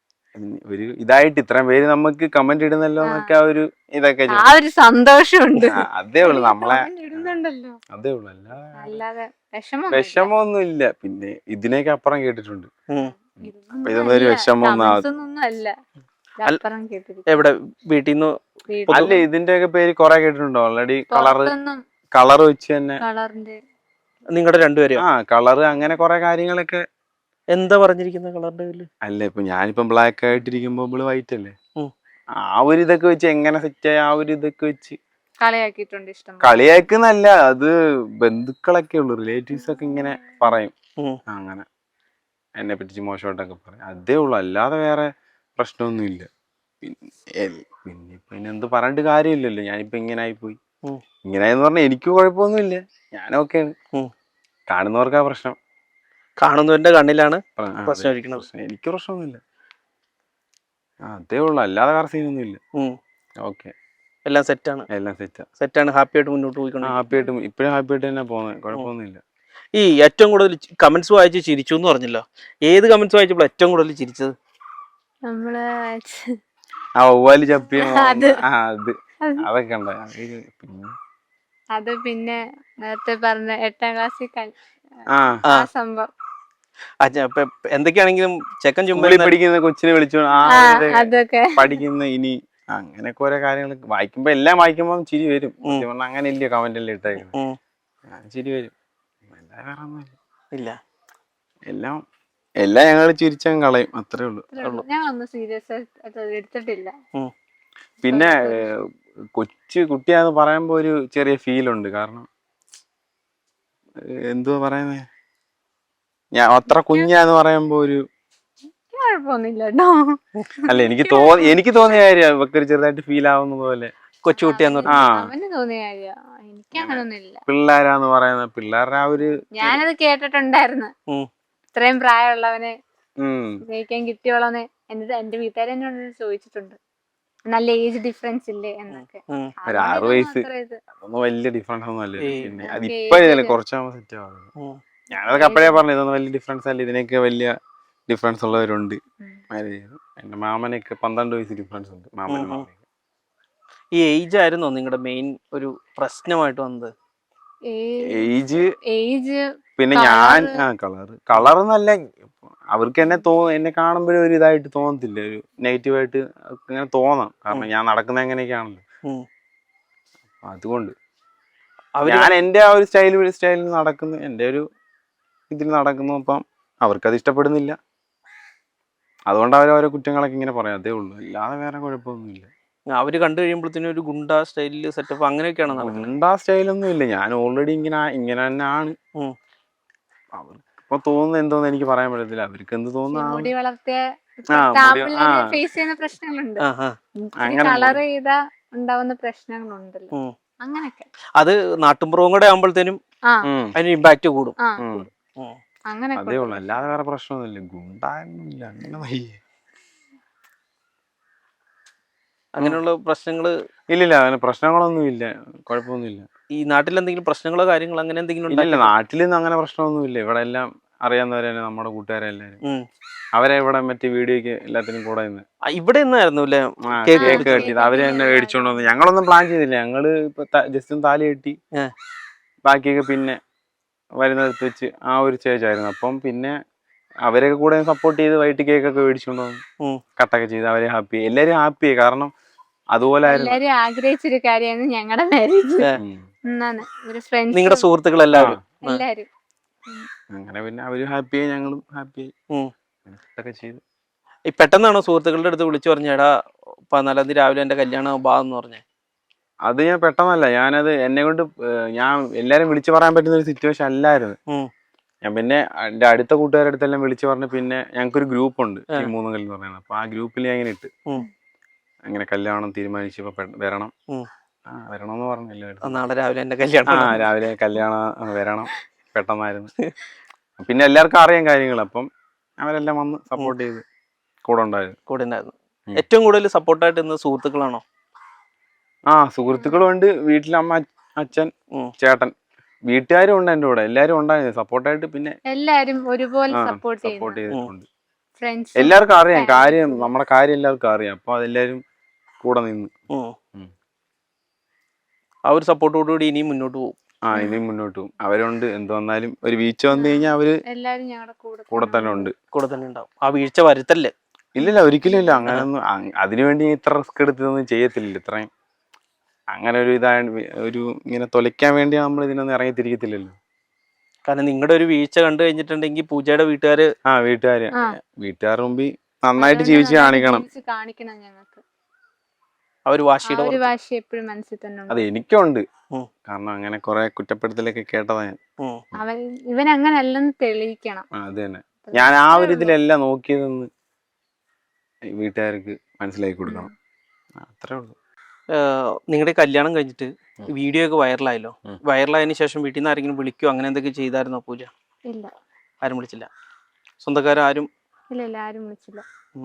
ഒരു ഇതായിട്ട് ഇത്രയും പേര് നമുക്ക് കമന്റ് ഇടുന്നല്ലോ എന്നൊക്കെ ആ ഒരു ഇതൊക്കെ
ആ ഒരു സന്തോഷമുണ്ട്.
ആ, അതേ ഉള്ളു. നമ്മളെ
comment ഇടുന്നുണ്ടല്ലോ.
അതേ ഉള്ളു. അല്ല
അല്ലാതെ വിഷമം
വിഷമമൊന്നും ഇല്ല. പിന്നെ ഇതിനേക്ക് അപ്പുറം കേട്ടിട്ടുണ്ട്.
ഉം.
അപ്പൊ ഇതൊന്നും ഒരു വിഷമമൊന്നും ആവ-
ഒന്നും അല്ല. അപ്പുറം കേട്ടിരിക്കും.
എവിടെ വീട്ടിൽ നിന്ന്?
അല്ല ഇതിന്റെ ഒക്കെ പേര് കൊറേ കേട്ടിട്ടുണ്ടോ? ഓൾറെഡി കളറ് കളറ് വെച്ച് തന്നെ
കളറിന്റെ
നിങ്ങളുടെ രണ്ടുപേരും
ആ കളറ് അങ്ങനെ കൊറേ കാര്യങ്ങളൊക്കെ.
എന്താ പറഞ്ഞിരിക്കുന്ന കളറിന്റെ പേരില്?
അല്ല ഇപ്പൊ ഞാനിപ്പം ബ്ലാക്ക് ആയിട്ടിരിക്കുമ്പോ ഇവള് വൈറ്റ് അല്ലേ.
ഉം.
ആ ഒരു ഇതൊക്കെ വെച്ച് എങ്ങനെ സെറ്റ് ആയ ആ ഒരു ഇതൊക്കെ വെച്ച്
കളിയാക്കിയിട്ടുണ്ട് ഇഷ്ടം പോലെ.
കളിയാക്കുന്നല്ല, അത് ബന്ധുക്കളൊക്കെ ഉള്ളു, റിലേറ്റീവ്സ് ഒക്കെ ഇങ്ങനെ പറയും
ഉം.
അങ്ങനെ എന്നെ പറ്റിച്ച് മോശമായിട്ടൊക്കെ പറയും, അതേ ഉള്ളു. അല്ലാതെ വേറെ പ്രശ്നമൊന്നുമില്ല. പിന്നെ പിന്നെ പിന്നെ എന്ത് പറഞ്ഞിട്ട് കാര്യമില്ലല്ലോ, ഞാനിപ്പോ ഇങ്ങനെ ആയിപ്പോയി.
ഉം.
ഇങ്ങനെയെന്ന് പറഞ്ഞാൽ എനിക്ക് കുഴപ്പമൊന്നുമില്ല, ഞാനൊക്കെയാണ്.
ഉം.
കാണുന്നവർക്കാ പ്രശ്നം.
കാണുന്നവന്റെ കണ്ണിലാണ്
ആ, അതെ,
പ്രശ്നം ഇരിക്കുന്നത്.
പ്രശ്നം. എനിക്ക് പ്രശ്നമൊന്നുമില്ല, ആ, അതേ ഉള്ളു. അല്ലാതെ വേറെ സീനൊന്നുമില്ല.
ഉം.
ഓക്കെ,
എല്ലാം സെറ്റാണ്
എല്ലാം സെറ്റാ.
സെറ്റാണ് ഹാപ്പി ആയിട്ട് മുന്നോട്ട്
ആ,
പോയിക്കൊണ്ടിരിക്കും.
ഹാപ്പി ആയിട്ട് ഇപ്പഴും ഹാപ്പി ആയിട്ട് തന്നെ പോകുന്നത്, കുഴപ്പമൊന്നുമില്ല.
ഈ ഏറ്റവും കൂടുതൽ കമന്റ്സ് വായിച്ച് ചിരിച്ചു എന്ന് പറഞ്ഞല്ലോ, ഏത് കമന്റ്സ് വായിച്ചപ്പോൾ ഏറ്റവും കൂടുതൽ ചിരിച്ചത്?
നമ്മള്
ആ ഒവ്വാല് ചപ്പിയ
അത്.
ആ അത് അതൊക്കെ ഉണ്ട്. പിന്നെ
അത് പിന്നെ നേരത്തെ പറഞ്ഞ എട്ടാം ക്ലാസ്സിൽ
ആ
ആ സംഭവം
ആ, ചെ- ഇപ്പൊ എന്തൊക്കെയാണെങ്കിലും ചെക്കൻ ചുമ്മാ
സ്കൂളിൽ പഠിക്കുന്ന കൊച്ചിനെ വിളിച്ചു ആ
ആ
ഒരു
അതൊക്കെ
പഠിക്കുന്ന ഇനി അങ്ങനെയൊക്കെ ഓരോ കാര്യങ്ങൾ വായിക്കുമ്പോ എല്ലാം വായിക്കുമ്പോ ചിരി വരും.
ഉം.
സത്യം പറഞ്ഞാ അങ്ങനെ ഇല്ലയോ കമന്റ് എല്ലാം ഇട്ടേക്കുന്നത്,
ഉം.
ചിരി വരും. എല്ലാം വേറെ ഒന്നുമില്ല,
ഇല്ല.
എല്ലാം എല്ലാം ഞങ്ങൾ ചിരിച്ചങ്ങ് കളയും, അത്രേ ഉള്ളൂ.
ഞാൻ ഒന്നും സീരിയസ് എടുത്തിട്ടില്ല.
ഉം.
പിന്നെ ഏഹ്, കൊച്ചു കുട്ടിയാന്ന് പറയുമ്പോ ഒരു ചെറിയ ഫീലുണ്ട്. കാരണം ഏഹ്, എന്തുവാ പറയുന്നേ, ഞാൻ അത്ര കുഞ്ഞാന്ന് പറയുമ്പോ ഒരു
കുഴപ്പമൊന്നുമില്ല കേട്ടോ.
അല്ല എനിക്ക് തോന്നി എനിക്ക് തോന്നിയ കാര്യം ഇവക്ക് ഒരു ചെറുതായിട്ട് ഫീൽ ആവുന്ന പോലെ.
കൊച്ചുകുട്ടിയാന്ന്
അവന്
പറഞ്ഞു.
ആ.
അവന് തോന്നിയ കാര്യ, എനിക്ക് അങ്ങനൊന്നും ഇല്ല.
പിള്ളേരാന്ന് പറയുന്ന പിള്ളേരുടെ ആ ഒരു
ഞാനത് കേട്ടിട്ടുണ്ടായിരുന്നു,
ഉം.
ഇത്രയും പ്രായമുള്ളവനെ
ഉം,
ജയിക്കാൻ കിട്ടിയോളന്ന് എന്റെ എന്റെ വീട്ടുകാരെ എന്നോട് ചോദിച്ചിട്ടുണ്ട്, നല്ല ഏജ് ഡിഫറൻസ് ഇല്ലേ എന്നൊക്കെ.
ഉം.
ഒരു
അതുകൊണ്ട്
ആറ്
ഇതൊന്നും
വയസ്സ്
അത്ര ഇത്
അതൊന്നും വലിയ ഡിഫറൻസ് ഒന്നും അല്ല.
ഏയ്.
പിന്നെ
ഓക്കേ,
അതിപ്പോഴല്ലേ
ഏജ്
കുറച്ചാകുമ്പോ സെറ്റ് ആവുന്നത്.
ഉം.
ഞാനതൊക്കെ അപ്പഴേ പറഞ്ഞു ഇതൊന്നും വലിയ ഡിഫറൻസ് അല്ല, ഇതിനൊക്കെ വലിയ ഡിഫറൻസ് ഉള്ളവരുണ്ട്
ഉം.
മാരേജ് ചെയ്തു. എന്റെ മാമനൊക്കെ പന്ത്രണ്ട് വയസ്സ് ഡിഫറൻസ് ഉണ്ട്, മാമനും
ഉം.
മാമനും.
ഈ ഏജ് ആയിരുന്നോ നിങ്ങളുടെ മെയിൻ ഒരു പ്രശ്നമായിട്ട് വന്നത്?
ഏജ്
ഏജ്
പിന്നെ ഞാൻ ആ കളറ് കളറെന്നല്ല, അവർക്ക് എന്നെ തോ എന്നെ കാണുമ്പോഴും ഒരു ഇതായിട്ട് തോന്നത്തില്ല, ഒരു നെഗറ്റീവായിട്ട് ഇങ്ങനെ തോന്നാം. കാരണം ഞാൻ നടക്കുന്നത് എങ്ങനെയൊക്കെയാണല്ലോ,
ഉം.
അതുകൊണ്ട്
അവര്
ഞാൻ എൻ്റെ ആ ഒരു സ്റ്റൈൽ സ്റ്റൈലിൽ നടക്കുന്നു, എൻ്റെ ഒരു ഇതിൽ നടക്കുന്നു. അപ്പം അവർക്കത് ഇഷ്ടപ്പെടുന്നില്ല, അതുകൊണ്ട് അവർ ഓരോ കുറ്റങ്ങളൊക്കെ ഇങ്ങനെ പറയാം, അതേ ഉള്ളൂ. അല്ലാതെ വേറെ കുഴപ്പമൊന്നുമില്ല.
അവര് കണ്ടു കഴിയുമ്പോഴത്തേനും ഒരു ഗുണ്ട സ്റ്റൈലില് സെറ്റപ്പ് അങ്ങനെയൊക്കെയാണ് നടക്കുന്നത്.
ഉണ്ടാ സ്റ്റൈലൊന്നും ഇല്ല, ഞാൻ ഓൾറെഡി ഇങ്ങനെ ഇങ്ങനെ തന്നെ ആണ്.
ഉം.
അവർക്ക് ഇപ്പൊ തോന്നുന്നത് എന്തോന്ന് എനിക്ക് പറയാൻ പറ്റത്തില്ല, അവർക്ക് എന്ത് തോന്നുന്നു.
മുടി വളർത്തിയ
ആ, മുടി- ആ.
ഫേസ് ചെയ്യുന്ന പ്രശ്നങ്ങളുണ്ട്,
ആ, ആ.
അങ്ങനെ
കളർ ചെയ്താ ഉണ്ടാവുന്ന പ്രശ്നങ്ങളുണ്ടല്ലോ,
ഉം.
അങ്ങനൊക്കെ.
അത് നാട്ടുമ്പുറവും കൂടെ ആകുമ്പോഴത്തേനും
ആ
ഉം,
അതിന് ഇമ്പാക്ട് കൂടും.
ആ
ഉം.
ഉം.
അങ്ങനൊക്കെ
അതേ
ഉണ്ട്
ഉള്ളു, അല്ലാതെ വേറെ പ്രശ്നമൊന്നുമില്ല. ഗുണ്ടായൊന്നുമില്ല, അങ്ങനെ വയ്യ.
അങ്ങനെയുള്ള പ്രശ്നങ്ങള്
ഇല്ലില്ല, അങ്ങനെ പ്രശ്നങ്ങളൊന്നും ഇല്ല, കുഴപ്പമൊന്നുമില്ല.
ഈ നാട്ടിൽ എന്തെങ്കിലും പ്രശ്നങ്ങളോ കാര്യങ്ങളോ അങ്ങനെ എന്തെങ്കിലും
ഇല്ലില്ല,
ഉണ്ടായിട്ടുണ്ടോ?
നാട്ടിലൊന്നും അങ്ങനെ പ്രശ്നമൊന്നുമില്ല. ഇവിടെ എല്ലാം അറിയാവുന്നവരെ തന്നെ, നമ്മുടെ കൂട്ടുകാരെല്ലാരും
ഉം.
അവരെ ഇവിടെ മറ്റേ വീഡിയോക്ക് എല്ലാത്തിനും കൂടെ നിന്ന്
ആ, ഇവിടെ നിന്നായിരുന്നു അല്ലേ
ആ
കേക്ക്
കേക്ക്
മുറിച്ചത്?
കെട്ടിയത്, അവര് തന്നെ മേടിച്ചോണ്ട് വന്നു. ഞങ്ങളൊന്നും പ്ലാൻ ചെയ്തില്ല, ഞങ്ങള് ഇപ്പൊ ജസ്റ്റ് ഒന്ന് താലി കെട്ടി
ഏ.
ബാക്കിയൊക്കെ പിന്നെ വരുന്നിടത്ത് വെച്ച് ആ ഒരു സ്റ്റേജ് ആയിരുന്നു. അപ്പം പിന്നെ അവരൊക്കെ കൂടെ സപ്പോർട്ട് ചെയ്ത് വൈകിട്ട് കേക്കൊക്കെ മേടിച്ചോണ്ട് വന്നു,
ഉം.
കട്ടൊക്കെ ചെയ്ത് അവരെ ഹാപ്പി, എല്ലാരും ഹാപ്പിയായി. കാരണം അതുപോലെ ആയിരുന്നു.
എല്ലാരും ആഗ്രഹിച്ചൊരു കാര്യമാണ് ഞങ്ങളുടെ മാരേജ്.
ഏ.
എന്നാണ് ഒരു ഫ്രണ്ട്സ്
നിങ്ങളുടെ സുഹൃത്തുക്കളെല്ലാവരും
എല്ലാരും.
അങ്ങനെ പിന്നെ അവര് ഹാപ്പിയായി, ഞങ്ങളും ഹാപ്പിയായി,
ഉം.
ഇതൊക്കെ ചെയ്തു.
ഈ പെട്ടെന്നാണോ സുഹൃത്തുക്കളുടെ അടുത്ത് വിളിച്ചു പറഞ്ഞേടാ പതിനാലാം തീയതി രാവിലെ എന്റെ കല്യാണം ബാ എന്ന് പറഞ്ഞേ?
അത് ഞാൻ പെട്ടെന്നല്ല, ഞാനത് എന്നെ കൊണ്ട് ഞാൻ എല്ലാരും വിളിച്ചു പറയാൻ പറ്റുന്ന ഒരു സിറ്റുവേഷൻ അല്ലായിരുന്നു.
ഉം.
ഞാൻ പിന്നെ എൻ്റെ അടുത്ത കൂട്ടുകാരുടെ അടുത്തെല്ലാം വിളിച്ചു പറഞ്ഞ് പിന്നെ ഞങ്ങൾക്കൊരു ഗ്രൂപ്പ് ഉണ്ട്, ഈ മൂന്ന് കല്ല് എന്ന് പറയുന്നത്. അപ്പൊ ആ ഗ്രൂപ്പിൽ ഞാൻ ഇങ്ങനെ ഇട്ട്
ഉം.
അങ്ങനെ കല്യാണം തീരുമാനിച്ചപ്പോ പെ- വരണം.
ഉം.
ആ വരണമെന്ന് പറഞ്ഞു എല്ലാവരും.
നാളെ രാവിലെ എന്റെ
ആ
കല്യാണം.
രാവിലെ കല്യാണം വരണം, പെട്ടെന്നായിരുന്നു. പിന്നെ എല്ലാവർക്കും അറിയാം കാര്യങ്ങൾ, അപ്പം അവരെല്ലാം വന്ന് സപ്പോർട്ട് ചെയ്ത് കൂടെ ഉണ്ടായിരുന്നു.
കൂടെ ഉണ്ടായിരുന്നു.
ഉം.
ഏറ്റവും കൂടുതൽ സപ്പോർട്ടായിട്ട് ഇന്ന് സുഹൃത്തുക്കളാണോ?
ആ സുഹൃത്തുക്കളും ഉണ്ട്, വീട്ടിലമ്മ അച്ഛൻ
ഉം.
ചേട്ടൻ വീട്ടുകാരും ഉണ്ട് എൻ്റെ കൂടെ, എല്ലാരും ഉണ്ടായിരുന്നു സപ്പോർട്ടായിട്ട്. പിന്നെ
എല്ലാരും ഒരുപോലെ
ആ
സപ്പോർട്ട്
സപ്പോർട്ട്
ചെയ്യുന്നു,
ചെയ്തിട്ടുണ്ട്.
ഫ്രണ്ട്സ്
എല്ലാവർക്കും അറിയാം കാര്യം, നമ്മുടെ കാര്യം എല്ലാവർക്കും അറിയാം. അപ്പൊ അതെല്ലാരും കൂടെ നിന്ന്.
ഉം.
ഉം.
ആ ഒരു സപ്പോർട്ടോടുകൂടി ഇനിയും മുന്നോട്ട് പോകും.
ആ ഇനിയും മുന്നോട്ട് പോകും. അവരുണ്ട്, എന്ത് വന്നാലും ഒരു വീഴ്ച വന്നു കഴിഞ്ഞാൽ അവര്
എല്ലാരും ഞങ്ങളുടെ കൂടെ
കൂടെ തന്നെ ഉണ്ട്.
കൂടെ തന്നെ ഉണ്ടാവും. ആ വീഴ്ച വരുത്തല്ലേ?
ഇല്ലില്ല, ഒരിക്കലും ഇല്ല. അങ്ങനെയൊന്നും അ- അതിനുവേണ്ടി ഇത്ര റിസ്ക് എടുത്തൊന്നും ചെയ്യത്തില്ല. ഇത്രയും അങ്ങനെ ഒരു ഇതായ ഒരു ഇങ്ങനെ തൊലയ്ക്കാൻ വേണ്ടി നമ്മൾ ഇതിനൊന്നും ഇറങ്ങി തിരികത്തില്ലല്ലോ.
കാരണം നിങ്ങളുടെ ഒരു വീഴ്ച കണ്ടു കഴിഞ്ഞിട്ടുണ്ടെങ്കിൽ പൂജയുടെ വീട്ടുകാര്
ആ വീട്ടുകാര്
ആ.
വീട്ടുകാരുടെ മുമ്പിൽ നന്നായിട്ട്
അതുകൊണ്ട്
ജീവിച്ച്
നന്നായിട്ട്
കാണിക്കണം.
ജീവിച്ച് കാണിക്കണം ഞങ്ങൾക്ക്.
ആ ഒരു
ആ
വാശിയുടെ
ഒരു
പുറത്ത്.
വാശി എപ്പോഴും മനസ്സിൽ തന്നെ ഉണ്ട്.
അത് എനിക്കുണ്ട്.
ഉം.
കാരണം അങ്ങനെ കുറെ കുറ്റപ്പെടുത്തലൊക്കെ കേട്ടതാ ഞാൻ.
ഉം.
അവൻ ഇവൻ അങ്ങനെ അല്ലെന്ന് തെളിയിക്കണം.
ആ, അത് തന്നെ. ഞാൻ ആ ഒരു ഇതിലല്ല നോക്കിയതെന്ന് വീട്ടുകാർക്ക് മനസ്സിലാക്കി കൊടുക്കണം. ആ, അത്രേ ഉള്ളൂ.
നിങ്ങളുടെ കല്യാണം കഴിഞ്ഞിട്ട്
ഉം.
വീഡിയോ ഒക്കെ വൈറലായല്ലോ.
ഉം.
വൈറലായതിനു ശേഷം വീട്ടിൽ നിന്ന് ആരെങ്കിലും വിളിക്കുകയോ അങ്ങനെ എന്തൊക്കെ ചെയ്തായിരുന്നോ പൂജ?
ഇല്ല
ആരും വിളിച്ചില്ല. സ്വന്തക്കാരും
ഇല്ല ഇല്ല ആരും വിളിച്ചില്ല.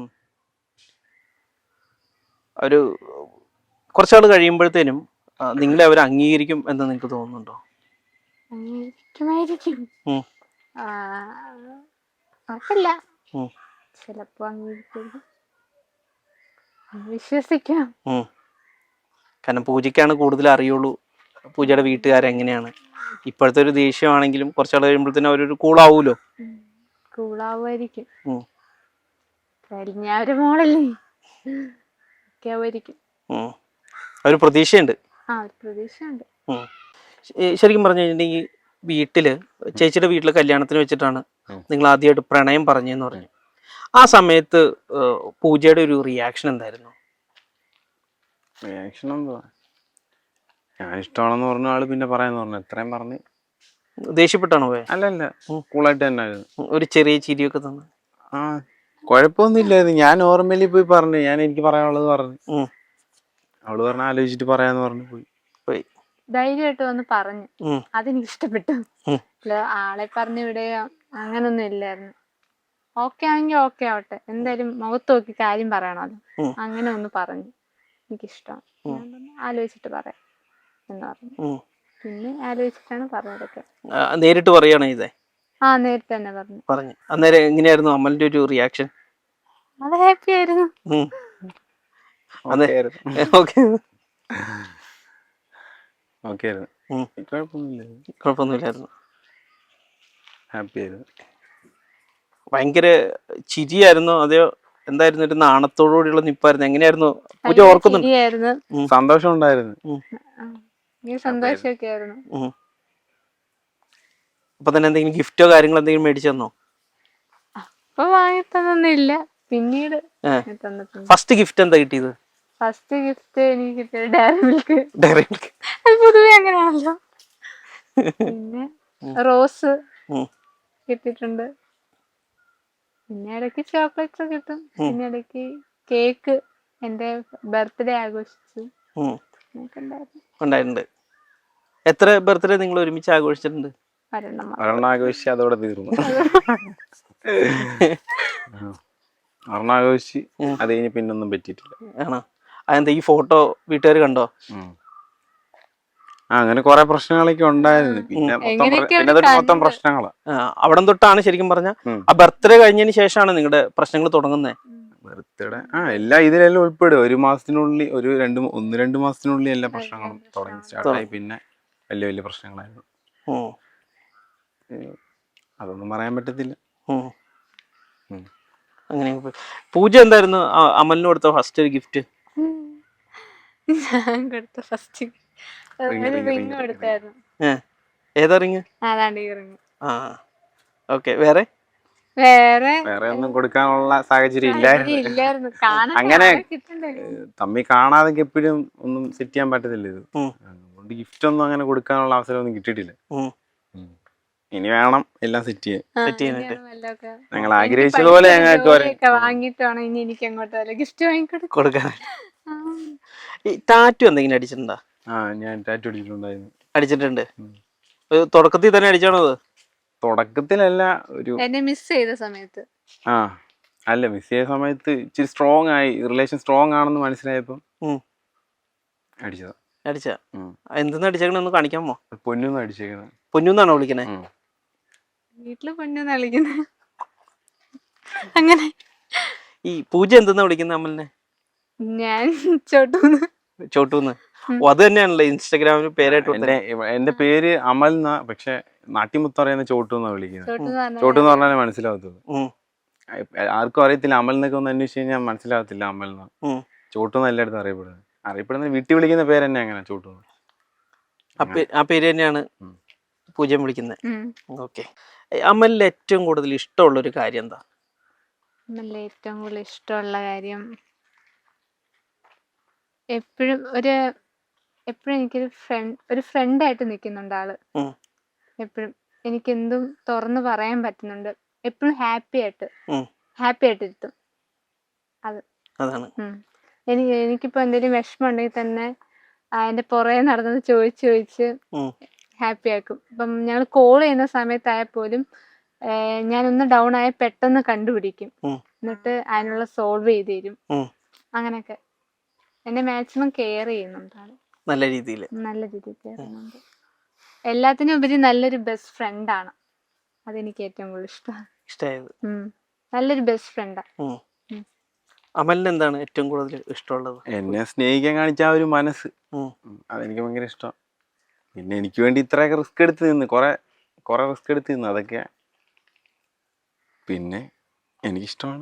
ഒരു കുറച്ചാൾ കഴിയുമ്പോഴത്തേനും ആ, നിങ്ങളെ അവർ അംഗീകരിക്കും എന്ന് നിങ്ങൾക്ക് തോന്നുന്നുണ്ടോ?
അംഗീകരിക്കുമായിരിക്കും.
ഉം.
ആ, ഉറപ്പില്ല.
ഉം.
ചിലപ്പോ അംഗീകരിക്കും, വിശ്വസിക്കാം.
ഉം. കാരണം പൂജയ്ക്കാണ് കൂടുതൽ അറിയുള്ളൂ പൂജയുടെ വീട്ടുകാരെങ്ങനെയാണ്. ഇപ്പോഴത്തെ ഒരു ദേഷ്യമാണെങ്കിലും കുറച്ചാൾ കഴിയുമ്പോഴത്തേനും അവരൊരു കൂളാവൂലോ.
കൂളാവുമായിരിക്കും.
ഉം.
കഴിഞ്ഞ ഒരു മോളല്ലേ ഒക്കെ ആവുമായിരിക്കും.
ഉം. ഒരു പ്രതീക്ഷയുണ്ട്.
ആ ഒരു പ്രതീക്ഷയുണ്ട്.
ഉം. ശ- ശരിക്കും പറഞ്ഞു കഴിഞ്ഞിട്ടുണ്ടെങ്കിൽ വീട്ടില് ചേച്ചിയുടെ വീട്ടിലെ കല്യാണത്തിന് വെച്ചിട്ടാണ്
ഉം.
നിങ്ങൾ ആദ്യമായിട്ട് പ്രണയം പറഞ്ഞെന്ന് പറഞ്ഞു. ആ സമയത്ത് ഏഹ്, പൂജയുടെ ഒരു റിയാക്ഷൻ എന്തായിരുന്നു?
റിയാക്ഷൻ എന്തുവാ, ഞാൻ ഇഷ്ടമാണെന്ന് പറഞ്ഞ ആള് പിന്നെ പറയാന്ന് പറഞ്ഞു. എത്രയും പറഞ്ഞ്
ദേഷ്യപ്പെട്ടാണോ പോയെ?
അല്ലല്ല,
ഉം.
കൂളായിട്ട് തന്നെ ആയിരുന്നു.
ഉം, ഒരു ചെറിയ ചിരിയൊക്കെ തന്നു.
ആ, കുഴപ്പമൊന്നും ഇല്ലായിരുന്നു. ഞാൻ നോർമലി പോയി പറഞ്ഞു, ഞാൻ എനിക്ക് പറയാനുള്ളത് പറഞ്ഞു.
ഉം.
അവള് പറഞ്ഞ ആലോചിച്ചിട്ട് പറയാന്ന് പറഞ്ഞു പോയി.
പോയി.
ധൈര്യമായിട്ട് വന്ന് പറഞ്ഞു.
ഉം.
അതെനിക്ക് ഇഷ്ടപ്പെട്ടു.
ഉം.
അല്ല, ആളെ പറഞ്ഞു വിടുകയോ അങ്ങനൊന്നും ഇല്ലായിരുന്നു. ഓക്കെ ആണെങ്കിൽ ഓക്കെ ആവട്ടെ, എന്തായാലും മുഖത്ത് നോക്കി കാര്യം പറയണമല്ലോ.
ഉം.
അങ്ങനെ ഒന്ന് പറഞ്ഞു എനിക്കിഷ്ടമാണ്. ഞാൻ പറഞ്ഞു ആലോചിച്ചിട്ട് പറയാം എന്ന് പറഞ്ഞു.
ഉം.
പിന്നെ ആലോചിച്ചിട്ടാണ് പറഞ്ഞതൊക്കെ.
ആ, നേരിട്ട് പറയുകയാണോ ഇതേ?
ആ നേരത്തെ തന്നെ പറഞ്ഞു.
പറഞ്ഞു. അന്നേരം എങ്ങനെയായിരുന്നു അമലിന്റെ ഒരു റിയാക്ഷൻ?
അത് ഹാപ്പി ആയിരുന്നു.
അതെ.
ഓക്കെ ആയിരുന്നു.
ഓക്കെ.
ഓക്കെ ആയിരുന്നു.
ഉം.
കുഴപ്പമൊന്നുമില്ല,
കുഴപ്പമൊന്നുമില്ലായിരുന്നു.
ഹാപ്പി ആയിരുന്നു.
ഭയങ്കര ചിരിയായിരുന്നോ അതെയോ എന്തായിരുന്നു? ഒരു നാണത്തോടുകൂടിയുള്ള നിപ്പായിരുന്നു? എങ്ങനെയായിരുന്നു പൂജ
ഭയങ്കര
ഓർക്കുന്നുണ്ട്?
ചിരിയായിരുന്നു.
സന്തോഷം ഉണ്ടായിരുന്നു.
ഈ സന്തോഷമൊക്കെ ആയിരുന്നു.
ഉം. അപ്പൊ തന്നെ എന്തെങ്കിലും ഗിഫ്റ്റോ കാര്യങ്ങളോ എന്തെങ്കിലും മേടിച്ചു തന്നോ?
അപ്പൊ വാങ്ങി തന്നൊന്നുമില്ല, പിന്നീട്
ഏ.
തന്നിട്ടുണ്ട്.
ഫസ്റ്റ് ഗിഫ്റ്റ് എന്താ കിട്ടിയത്?
ഫസ്റ്റ് ഗിഫ്റ്റ് എനിക്ക് കിട്ടിയത് ഡയറി മിൽക്ക്.
Diary milk.
അത് പൊതുവെ അങ്ങനെയാണല്ലോ. പിന്നെ റോസ്
ഉം.
കിട്ടിയിട്ടുണ്ട്. പിന്നെ ഇടയ്ക്ക് ചോക്ലേറ്റ്സ് കിട്ടും. പിന്നെ ഇടയ്ക്ക് കേക്ക്, എന്റെ ബർത്ത്ഡേ ആഘോഷിച്ചു.
ഉം.
അങ്ങനെയൊക്കെ ഉണ്ടായിരുന്നു.
ഉണ്ടായിട്ടുണ്ട്. എത്ര ബർത്ത്ഡേ നിങ്ങൾ ഒരുമിച്ച് ആഘോഷിച്ചിട്ടുണ്ട്?
ഒരെണ്ണം മാത്രം.
ഒരെണ്ണം ആഘോഷിച്ച് അതോടെ തീർന്നു. ഒരെണ്ണം ആഘോഷിച്ച് അത് കഴിഞ്ഞ് പിന്നൊന്നും പറ്റിയിട്ടില്ല.
ആണോ? അതെന്താ ഈ ഫോട്ടോ വീട്ടുകാർ കണ്ടോ?
ഉം. ആ, അങ്ങനെ കുറെ പ്രശ്നങ്ങളൊക്കെ ഉണ്ടായിരുന്നു. പിന്നെ മൊത്തം പ്ര-
എങ്ങനെയൊക്കെയാണ്
പിന്നെ അതൊരു മൊത്തം
കണ്ടത്?
പ്രശ്നങ്ങളാ.
അവിടെ തൊട്ടാണ് ശരിക്കും പറഞ്ഞ
ഉം.
ആ ബർത്ത്ഡേ കഴിഞ്ഞതിന് ശേഷമാണ് നിങ്ങളുടെ പ്രശ്നങ്ങൾ തുടങ്ങുന്നത്.
ബർത്ത്ഡേ ആ എല്ലാം ഇതിലെല്ലാം ഉൾപ്പെടും. ഒരു മാസത്തിനുള്ളിൽ ഒരു രണ്ട് മൂ- ഒന്ന് രണ്ട് മാസത്തിനുള്ളിൽ എല്ലാ പ്രശ്നങ്ങളും തുടങ്ങി സ്റ്റാർട്ടായി. പിന്നെ വലിയ വലിയ പ്രശ്നങ്ങളായിരുന്നു.
ഉം.
അതൊന്നും പറയാൻ പറ്റത്തില്ല.
ഉം.
ഉം.
അങ്ങനെ പോയി. പൂജ എന്തായിരുന്നു ആ അമലിന് കൊടുത്ത ഫസ്റ്റ് ഒരു ഗിഫ്റ്റ്?
ഞാൻ കൊടുത്ത ഫസ്റ്റ്
Ring,
ഒരു
ring,
റിങ്
ring,
കൊടുത്തായിരുന്നു.
ഏഹ് ഏതാ റിങ്?
അതാണ്ട് ഈ റിങ്.
ആ ഓക്കെ. വേറെ
വേറെ
വേറെ ഒന്നും കൊടുക്കാനുള്ള സാഹചര്യം
സാഹചര്യം
ഇല്ലായിരുന്നു.
ഇല്ലായിരുന്നു. കാണാൻ
അങ്ങനെ
ആളെ കിട്ടണ്ടേ.
തമ്മി കാണാതെ എപ്പോഴും ഒന്നും സെറ്റ് ചെയ്യാൻ പറ്റത്തില്ല ഇത്.
ഉം.
അതുകൊണ്ട് ഗിഫ്റ്റ് ഒന്നും അങ്ങനെ കൊടുക്കാനുള്ള അവസരം ഒന്നും കിട്ടിയിട്ടില്ല.
ഉം.
ഉം. ഇനി വേണം എല്ലാം സെറ്റ് ചെയ്യാൻ.
ആ,
സെറ്റ് ചെയ്യാനായിട്ട്.
ഇനിയാണ് വല്ലതൊക്കെ.
ഞങ്ങൾ
എനിക്ക്
ആഗ്രഹിച്ചതുപോലെ
പഠിച്ചൊരു
ഞങ്ങൾക്ക് വരാൻ.
ജോലിയൊക്കെ വാങ്ങിയിട്ട് വേണം ഇനി എനിക്ക് അങ്ങോട്ട് വല്ല ഗിഫ്റ്റ് വാങ്ങിക്കൊടുക്കും.
കൊടുക്കാൻ. ഈ ടാറ്റു എന്തെങ്കിലും അടിച്ചിട്ടുണ്ടോ?
ആ, ഞാൻ ടാറ്റു അടിച്ചിട്ടുണ്ടായിരുന്നു.
അടിച്ചിട്ടുണ്ട്.
ഉം.
ഒരു തുടക്കത്തിൽ തന്നെ അടിച്ചാണോ അത്?
തുടക്കത്തിലല്ല, ഒരു
എന്നെ മിസ് ചെയ്ത സമയത്ത്.
ആ അല്ല മിസ് ചെയ്ത സമയത്ത് ഇച്ചിരി സ്ട്രോങ് ആയി, റിലേഷൻ സ്ട്രോങ് ആണെന്ന് മനസ്സിലായപ്പോ
ഉം.
അടിച്ചതാ.
അടിച്ച
ഉം.
എന്തെന്ന് അടിച്ചേക്കണ ഒന്ന് കാണിക്കാമോ?
പൊന്നൊന്നും അടിച്ചേക്കുന്നത്.
പൊന്നുന്നാണോ വിളിക്കണേ?
വീട്ടില് പൊന്നു കളിക്കുന്നത് അങ്ങനെ.
ഈ പൂജ എന്തെന്നാ വിളിക്കുന്നത് അമലിനെ?
ഞാൻ ചോട്ടൂന്ന്.
ചോട്ടൂന്ന്. ഓ അത് തന്നെയാണല്ലോ ഇൻസ്റ്റാഗ്രാമിൽ പേരായിട്ട്
എന്റെ എന്റെ പേര് അമൽ എന്നാ, പക്ഷെ നാട്ടിമുത്ത് പറയുന്ന ചോട്ടു എന്നാ വിളിക്കുന്നത്.
ചോട്ടൂന്ന് പറഞ്ഞാൽ
ചോട്ടു എന്ന് പറഞ്ഞാലേ മനസ്സിലാവത്തുള്ളൂ.
ഉം.
ആർക്കും അറിയത്തില്ല. അമൽ എന്നൊക്കെ ഒന്ന് അന്വേഷിച്ച് കഴിഞ്ഞാൽ മനസ്സിലാവത്തില്ല അമൽ എന്നാ.
ഉം.
ചോട്ടു എന്ന് എല്ലായിടത്തും അറിയപ്പെടുന്നത്. അറിയപ്പെടുന്ന വീട്ടിൽ വിളിക്കുന്ന പേര് തന്നെ അങ്ങനെ, ചോട്ടു.
ആ പേ- ആ പേര് തന്നെയാണ്
ഉം.
പൂജ വിളിക്കുന്നത്.
ഉം.
ഓക്കെ. അമലിൽ ഏറ്റവും കൂടുതൽ ഇഷ്ടമുള്ള ഒരു കാര്യം എന്താ?
നല്ല ഏറ്റവും കൂടുതൽ ഇഷ്ടമുള്ള കാര്യം എപ്പോഴും ഒരു എപ്പോഴും എനിക്കൊരു ഫ്രണ്ട് ഒരു ഫ്രണ്ടായിട്ട് നിൽക്കുന്നുണ്ട് ആള്.
ഉം.
എപ്പോഴും എനിക്ക് എന്തും തുറന്ന് പറയാൻ പറ്റുന്നുണ്ട്. എപ്പോഴും ഹാപ്പി ആയിട്ട്
ഉം.
ഹാപ്പി ആയിട്ട് ഇരുത്തും. അത്
അതാണ്.
ഉം. എനിക്ക് എനിക്കിപ്പോ എന്തെങ്കിലും വിഷമം ഉണ്ടെങ്കിൽ തന്നെ ആ, എന്റെ പുറകെ നടന്നത് ചോദിച്ച് ചോദിച്ച്
ഉം.
ഹാപ്പി ആക്കും. ഇപ്പം ഞങ്ങൾ കോൾ ചെയ്യുന്ന സമയത്തായപ്പോലും ഏഹ്, ഞാനൊന്ന് ഡൗൺ ആയ പെട്ടെന്ന് കണ്ടുപിടിക്കും.
ഉം.
എന്നിട്ട് അതിനുള്ള സോൾവ് ചെയ്ത് തരും.
ഉം.
അങ്ങനെയൊക്കെ എന്നെ മാക്സിമം കെയർ ചെയ്യുന്നുണ്ട് ആള്.
നല്ല രീതിയിൽ.
നല്ല രീതിയിൽ കെയർ ചെയ്യുന്നുണ്ട്. എല്ലാത്തിനും ഉപരി നല്ലൊരു ബെസ്റ്റ് ഫ്രണ്ടാണ്. അതെനിക്ക് ഏറ്റവും കൂടുതൽ ഇഷ്ടമാണ്.
ഇഷ്ടമായത്.
നല്ലൊരു ബെസ്റ്റ് ഫ്രണ്ടാ.
ഉം. അമലിന് എന്താണ് ഏറ്റവും കൂടുതൽ ഇഷ്ടമുള്ളത്?
എന്നെ സ്നേഹിക്കാൻ കാണിച്ച ആ ഒരു മനസ്സ്,
ഉം.
ഉം, അതെനിക്ക് ഭയങ്കര ഇഷ്ടമാണ്. പിന്നെ എനിക്ക് വേണ്ടി ഇത്രയൊക്കെ റിസ്ക് എടുത്ത് നിന്ന് കുറെ കുറെ റിസ്ക് എടുത്ത് നിന്ന് അതൊക്കെ പിന്നെ എനിക്കിഷ്ടമാണ്.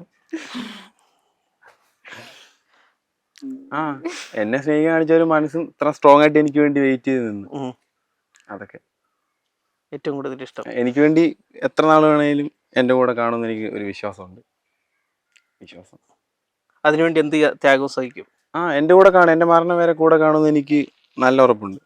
ആ എന്നെ സ്നേഹിക്കാൻ കാണിച്ച ഒരു മനസ്സും ഇത്ര സ്ട്രോങ് ആയിട്ട് എനിക്ക് വേണ്ടി വെയിറ്റ് ചെയ്ത് നിന്ന്
ഉം.
അതൊക്കെ
ഏറ്റവും കൂടുതൽ ഇഷ്ടം.
എനിക്ക് വേണ്ടി എത്ര നാൾ വേണേലും എൻ്റെ കൂടെ കാണുമെന്ന് എനിക്ക് ഒരു വിശ്വാസമുണ്ട്. വിശ്വാസം
അതിനുവേണ്ടി എന്ത് ത്യാഗവും സഹിക്കും.
ആ എൻ്റെ കൂടെ കാണും, എൻ്റെ മരണം വരെ കൂടെ കാണുമെന്ന് എനിക്ക് നല്ല ഉറപ്പുണ്ട്.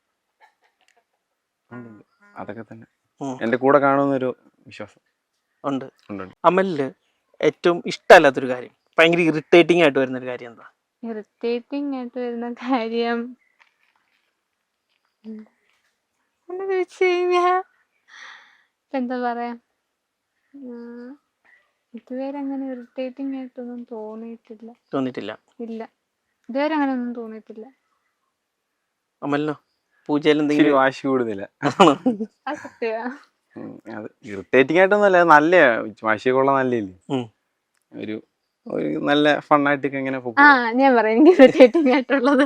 ഉണ്ട്. അതൊക്കെ തന്നെ
ഉം.
എൻ്റെ കൂടെ കാണുമെന്നൊരു വിശ്വാസം
ഉണ്ട്.
ഉണ്ട്.
അമലിന് ഏറ്റവും ഇഷ്ടമല്ലാത്തൊരു കാര്യം, ഭയങ്കര ഇറിറ്റേറ്റിംഗ് ആയിട്ട് വരുന്നൊരു കാര്യം എന്താ?
ഇറിറ്റേറ്റിംഗ് ആയിട്ട് വരുന്ന കാര്യം എന്ന് ചോദിച്ചു കഴിഞ്ഞാ ഇപ്പൊ എന്താ പറയാ, ഉം, ഇതുവരെ അങ്ങനെ ഇറിറ്റേറ്റിംഗ് ആയിട്ടൊന്നും തോന്നിയിട്ടില്ല.
തോന്നിയിട്ടില്ല.
ഇല്ല, ഇതുവരെ അങ്ങനെ ഒന്നും തോന്നിയിട്ടില്ല.
അമലിനോ? പൂജയിൽ
ഇച്ചിരി
എന്തെങ്കിലും
വാശി കൂടുതല.
അത് സത്യമാ.
അത് ഇറിറ്റേറ്റിംഗ് ആയിട്ടൊന്നുമല്ല, നല്ല വാശിയൊക്കെ ഉള്ള നല്ലല്ലേ.
ഉം.
ഒരു ഒരു നല്ല ഫണ്ണായിട്ടൊക്കെ എങ്ങനെ
ആ ഞാൻ പറയാം എനിക്ക് ഇറിറ്റേറ്റിംഗ് ആയിട്ടുള്ളത്.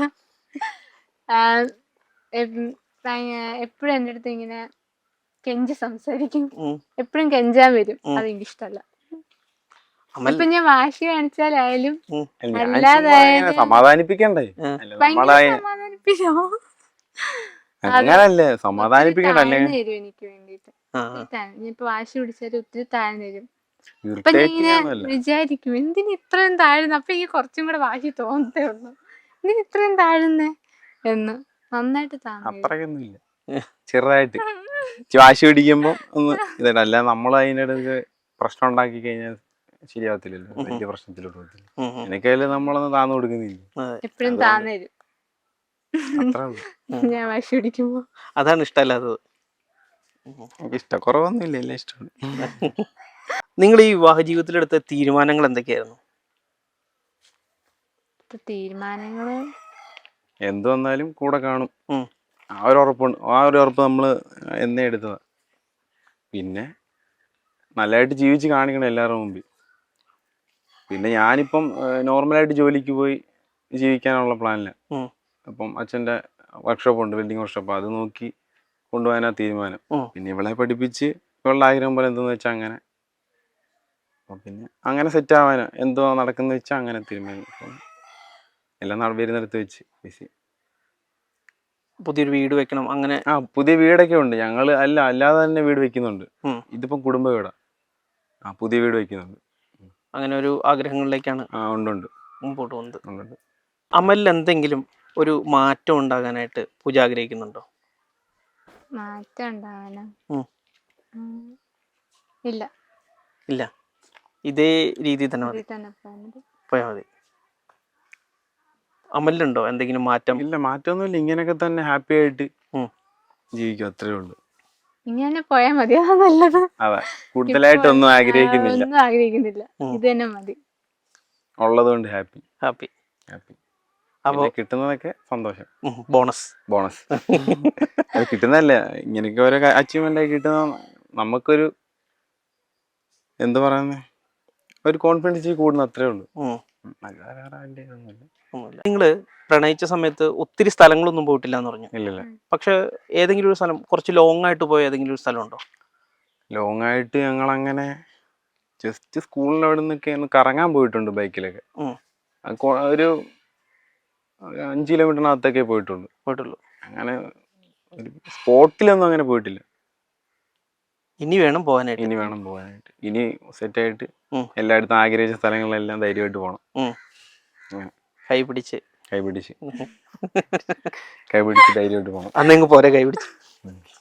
എപ്പോഴും എൻ്റെ അടുത്ത് ഇങ്ങനെ കെഞ്ചി സംസാരിക്കും.
ഉം.
എപ്പോഴും കെഞ്ചാൻ വരും.
ഉം.
അതെനിക്ക് ഇഷ്ടമല്ല.
അമൽ
ഇപ്പൊ ഞാൻ വാശി കാണിച്ചാലായാലും
ഉം.
അല്ലാതെ
സമാധാനിപ്പിക്കണ്ടേ?
ആ.
അല്ല,
ഭയങ്കര
നമ്മളെ
സമാധാനിപ്പിച്ചോ.
അങ്ങനല്ലേ സമാധാനിപ്പിക്കണ്ട അല്ലേ?
താഴ്ന്നു തരും എനിക്ക് വേണ്ടിട്ട്.
ആ.
ഇപ്പൊ വാശി പിടിച്ചാലും ഒത്തിരി താഴ്ന്നു തരും. അപ്പൊ ഞാൻ
ഇറിറ്റേറ്റിംഗ്
ഇങ്ങനെ
ഒന്നുമല്ല.
വിചാരിക്കും എന്തിന് ഇത്രയും താഴ്ന്നു. അപ്പൊ എനിക്ക് കുറച്ചും കൂടെ വാശി തോന്നത്തേ ഉള്ളൂ. എന്തിന് ഇത്രയും താഴ്ന്നേ എന്ന്. നന്നായിട്ട് താഴ്ന്നു.
അത്രയൊന്നും ഇല്ല, ചെറുതായിട്ട് വാശി പിടിക്കുമ്പോ ഒന്ന് ഇതല്ല, അല്ല നമ്മൾ അതിൻ്റെ ഇടയ്ക്ക് പ്രശ്നം ഉണ്ടാക്കി കഴിഞ്ഞാൽ ശരിയാവത്തില്ലല്ലോ, വലിയ പ്രശ്നത്തിലോട്ട് പോകത്തില്ല.
ഉം. ഉം.
എനിക്കതിൽ നമ്മളൊന്നും താന്നു കൊടുക്കുന്നില്ല.
അതെ.
എപ്പോഴും
അതാണ്.
താഴ്ന്നു തരും
അത്രേ ഉള്ളൂ.
ഞാൻ വാശി പിടിക്കുമ്പോ.
അതാണ് ഇഷ്ടമല്ലാത്തത്.
എനിക്ക് ഇഷ്ടക്കുറവൊന്നുമില്ല, എല്ലാം ഇഷ്ടമാണ്.
നിങ്ങൾ ഈ വിവാഹ ജീവിതത്തിലെടുത്ത തീരുമാനങ്ങൾ എന്തൊക്കെയായിരുന്നു?
ഇപ്പൊ തീരുമാനങ്ങള്
എന്ത് വന്നാലും കൂടെ കാണും,
ഉം.
ആ ഒരു ഉറപ്പുണ്ട്. ആ ഒരു ഉറപ്പ് നമ്മൾ എന്നേ എടുത്തതാ. പിന്നെ നല്ലതായിട്ട് ജീവിച്ച് കാണിക്കണം എല്ലാവരുടെ മുമ്പിൽ. പിന്നെ ഞാനിപ്പം നോർമലായിട്ട് ജോലിക്ക് പോയി ജീവിക്കാനുള്ള പ്ലാനില്ല.
ഉം.
അപ്പം അച്ഛൻ്റെ വർക്ക്ഷോപ്പ് ഉണ്ട്, വെൽഡിങ് വർക്ക്ഷോപ്പ്, അത് നോക്കി കൊണ്ടുപോകാനാ തീരുമാനം.
ഉം.
പിന്നെ ഇവളെ പഠിപ്പിച്ച് ഇവളുടെ ആഗ്രഹം പോലെ എന്തെന്ന് വെച്ചാൽ അങ്ങനെ, അപ്പം പിന്നെ അങ്ങനെ സെറ്റ് ആവാനാ എന്തോ നടക്കുന്ന വെച്ചാൽ അങ്ങനെ തീരുമാനം. അപ്പം എല്ലാം നാളെ വരുന്നിടത്ത് വെച്ച് ബിസി.
പുതിയൊരു വീട് വെക്കണം അങ്ങനെ?
ആ പുതിയ വീടൊക്കെ ഉണ്ട്. ഞങ്ങൾ അല്ല അല്ലാതെ തന്നെ വീട് വെക്കുന്നുണ്ട്.
ഉം.
ഇതിപ്പം കുടുംബ വീടാ. ആ പുതിയ വീട് വെക്കുന്നുണ്ട്.
അങ്ങനെ ഒരു ആഗ്രഹങ്ങളിലേക്കാണ്
ആ ഉണ്ട് ഉണ്ട്
മുമ്പോട്ട് പോകുന്നത്.
ഉണ്ട്.
അമലിൽ എന്തെങ്കിലും ഒരു മാറ്റം ഉണ്ടാകാനായിട്ട് പൂജ ആഗ്രഹിക്കുന്നുണ്ടോ?
മാറ്റം ഉണ്ടാവാനോ?
ഉം.
ഉം. ഇല്ല,
ഇല്ല, ഇതേ രീതിയിൽ തന്നെ മതി,
ഇതിൽ തന്നെ പോകുന്നത്.
പോയാൽ മതി. അമലിനുണ്ടോ എന്തെങ്കിലും മാറ്റം?
ഇല്ല, മാറ്റമൊന്നുമില്ല. ഇങ്ങനെയൊക്കെ തന്നെ ഹാപ്പി ആയിട്ട്
ഉം.
ജീവിക്കും, അത്രേ ഉള്ളൂ.
ഇങ്ങനെ പോയാൽ മതി, അതാ നല്ലത്.
അതെ, കൂടുതലായിട്ടൊന്നും ആഗ്രഹിക്കുന്നില്ല.
ഒന്നും ആഗ്രഹിക്കുന്നില്ല,
ഉം.
ഇത് തന്നെ മതി.
ഉള്ളത് കൊണ്ട് ഹാപ്പി
ഹാപ്പി.
ഹാപ്പി.
അപ്പോൾ
കിട്ടുന്നതൊക്കെ സന്തോഷം,
ബോണസ്
ബോണസ്. അത് കിട്ടുന്നതല്ല, ഇങ്ങനെയൊക്കെ ഓരോ അച്ചീവ്മെന്റ് ആയി കിട്ടുന്ന നമുക്കൊരു എന്ത് പറയുന്നേ, ഒരു കോൺഫിഡൻസ് കൂടുന്ന അത്രേ ഉള്ളൂ.
നിങ്ങള് പ്രണയിച്ച സമയത്ത് ഒത്തിരി സ്ഥലങ്ങളൊന്നും പോയിട്ടില്ല എന്ന് പറഞ്ഞു.
ഇല്ലില്ല.
പക്ഷെ ഏതെങ്കിലും ഒരു സ്ഥലം, കുറച്ച് ലോങ് ആയിട്ട് പോയ ഏതെങ്കിലും ഒരു സ്ഥലം ഉണ്ടോ?
ലോങ് ആയിട്ട് ഞങ്ങൾ അങ്ങനെ ജസ്റ്റ് സ്കൂളിൽ അവിടെ നിന്നൊക്കെ ഒന്ന് കറങ്ങാൻ പോയിട്ടുണ്ട് ബൈക്കിലൊക്കെ.
ഉം.
അത് കൊ- ഒരു ഒരു അഞ്ച് കിലോമീറ്ററിനകത്തൊക്കെ പോയിട്ടുള്ളൂ.
പോയിട്ടുള്ളൂ.
അങ്ങനെ ഒരു സ്പോട്ടിലൊന്നും അങ്ങനെ പോയിട്ടില്ല.
ഇനി വേണം പോകാനായിട്ട്.
ഇനി വേണം പോകാനായിട്ട്. ഇനി സെറ്റായിട്ട്
ഉം.
എല്ലായിടത്തും ആഗ്രഹിച്ച സ്ഥലങ്ങളിലെല്ലാം ധൈര്യമായിട്ട് പോകണം.
ഉം.
അങ്ങനെ
കൈ പിടിച്ച്
കൈ പിടിച്ച് കൈ പിടിച്ച് ധൈര്യമായിട്ട് പോകണം.
അന്നെങ്ങ് പോരെ കൈ പിടിച്ച്.